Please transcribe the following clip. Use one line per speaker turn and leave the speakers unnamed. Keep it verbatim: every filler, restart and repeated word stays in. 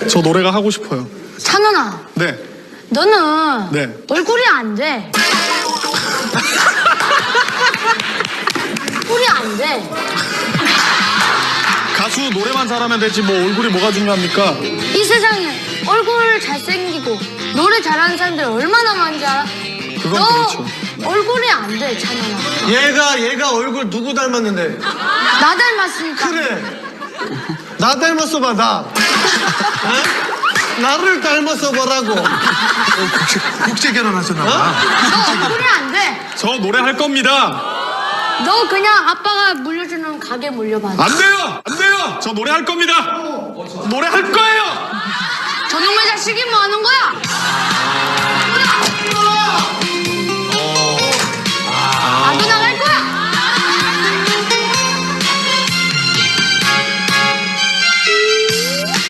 저 노래가 하고 싶어요.
찬원아.
네.
너는
네.
얼굴이 안 돼. 얼굴이 안 돼.
가수 노래만 잘하면 되지 뭐 얼굴이 뭐가 중요합니까?
이 세상에 얼굴 잘생기고 노래 잘하는 사람들 얼마나 많은지 알아?
그건
너
그렇죠.
얼굴이 안 돼, 찬원아.
얘가 얘가 얼굴 누구 닮았는데?
나 닮았으니까.
그래. 나 닮았어 봐 나. 어? 나를 닮았어 보라고.
국제, 국제 결혼하셨나 봐.
너 얼굴이 안 돼.
저 노래 할 겁니다.
너 그냥 아빠가 물려주는 가게 물려봐.
안 돼요! 안 돼요! 저 노래 할 겁니다. 노래 할 거예요!
저놈의 자식이 뭐 하는 거야?